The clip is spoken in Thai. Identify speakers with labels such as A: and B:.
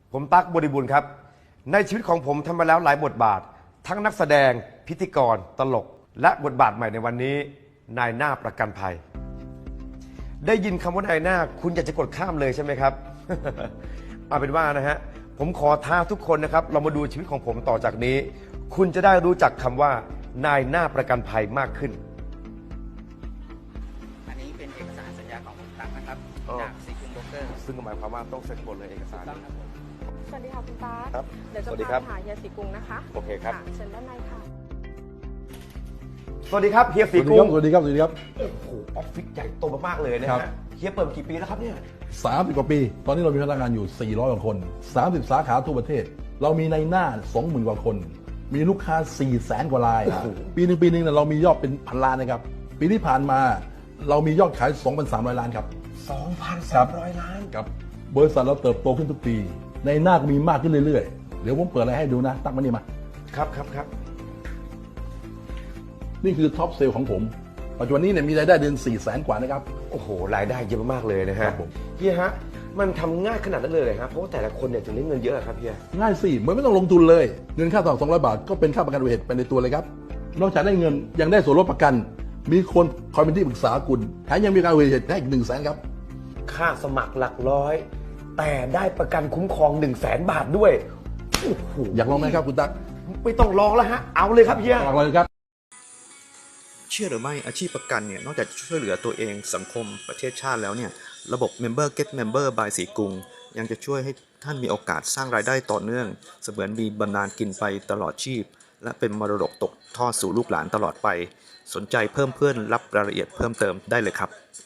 A: ผมตั๊กบริบูรณ์ครับในชีวิตของผมทำมาแล้วหลายบทบาททั้งนักแสดงพิธีกรตลกและบทบาทใหม่ในวันนี้นายหน้าประกันภัยได้ยินคำว่านายหน้าคุณอยากจะกดข้ามเลยใช่ไหมครับ เอาเป็นว่านะฮะผมขอท้าทุกคนนะครับเรามาดูชีวิตของผมต่อจากนี้ คุณจะได้รู้จักคำว่านายหน้าประกันภัยมากขึ้น
B: อันนี้เป็นเอกสารสัญญาของคุณตั๊กนะครับ
A: อ๋อ
B: จากสีคุงโบรกเกอร์
A: ซึ่งหมายความว่าต้องเซ็นหมดเลยเอกสาร
B: ต้องครับผม
C: สวัสดีค่ะคุณตา
A: ครับ
C: เดี๋ยวจะ
A: สวัสดี
C: พา
A: ครับ
C: ไปหาเฮียศรีกรุงนะคะ
A: โอเคครับ
C: ะเชิญด้านในค่ะ
A: สวัสดีครับเฮียศรี
D: ส
A: กุ้ง
D: วัสดีครับ สวัสดีครับ
A: โอ้โหออฟฟิศใหญ่โตมากๆเลยนะ
D: ครั
A: ฮะ
D: บ
A: เฮียเปิดมากี่ปีแล้วครับเนี่ย
D: 30 กว่าปี ตอนนี้เรามีพนักงานอยู่ 400 กว่าคน 30 สาขาทั่วประเทศ เรามีในหน้า 20,000 กว่าคน มีลูกค้า 400,000 กว่าราย ปีหนึ่งเนี่ยเรามียอดเป็นพันล้านนะครับ ปีที่ผ่านมาเรามียอดขาย 2,300 ล้านครับ
A: 2,300 ล้าน
D: ครับ บริษัทเราเติบโตขึ้นทุกปี ในหน้าก็มีมากขึ้นเรื่อยๆ เดี๋ยวผมเปิดอะไรให้ดูนะ ตั้งมานี่มา
A: ครับครับครับ
D: นี่คือท็อปเซลล์ของผม ปัจจุบันนี้เนี่ยมีรายได้เดือน 400,000 กว่านะครับ
A: โอ้โหรายได้เยอะมากๆเลยนะฮะ
D: ครับผม
A: เฮียฮะมันทำง่ายขนาดนั้นเลยเหรอฮะเพราะว่าแต่ละคนเนี่ยถึงได้เงินเยอะครับเฮีย
D: ง่ายสิเหมือนไม่ต้องลงทุนเลย เงินค่าต่อ200 บาท ก็เป็นค่าประกันอุบัติเหตุไปในตัวเลยครับ นอกจากได้เงินยังได้ส่วนลดประกัน มีคนคอยเป็นที่ปรึกษาคุณแถมยังมีการอุบัติเหตุให้อีก100,000ครับ
A: ค่าสมัครหลักร้อย แต่ได้ประกันคุ้มครอง 100,000 บาทด้วยโอ้โห
D: อยากลองไหมครับคุณตั๊ก
A: ไม่ต้องลองแล้วฮะเอาเลยครับเฮีย
D: ลองเลยครับ
E: เชื่อหรือไม่อาชีพประกันเนี่ยนอกจากจะช่วยเหลือตัวเองสังคมประเทศชาติแล้วเนี่ยระบบ Member Get Member by สีกรุงยังจะช่วยให้ท่านมีโอกาสสร้างรายได้ต่อเนื่องเสมือนมีบำนาญกินไปตลอดชีพ และเป็นมรดกตกทอดสู่ลูกหลานตลอดไป สนใจเพิ่มเพื่อนรับรายละเอียดเพิ่มเติมได้เลยครับ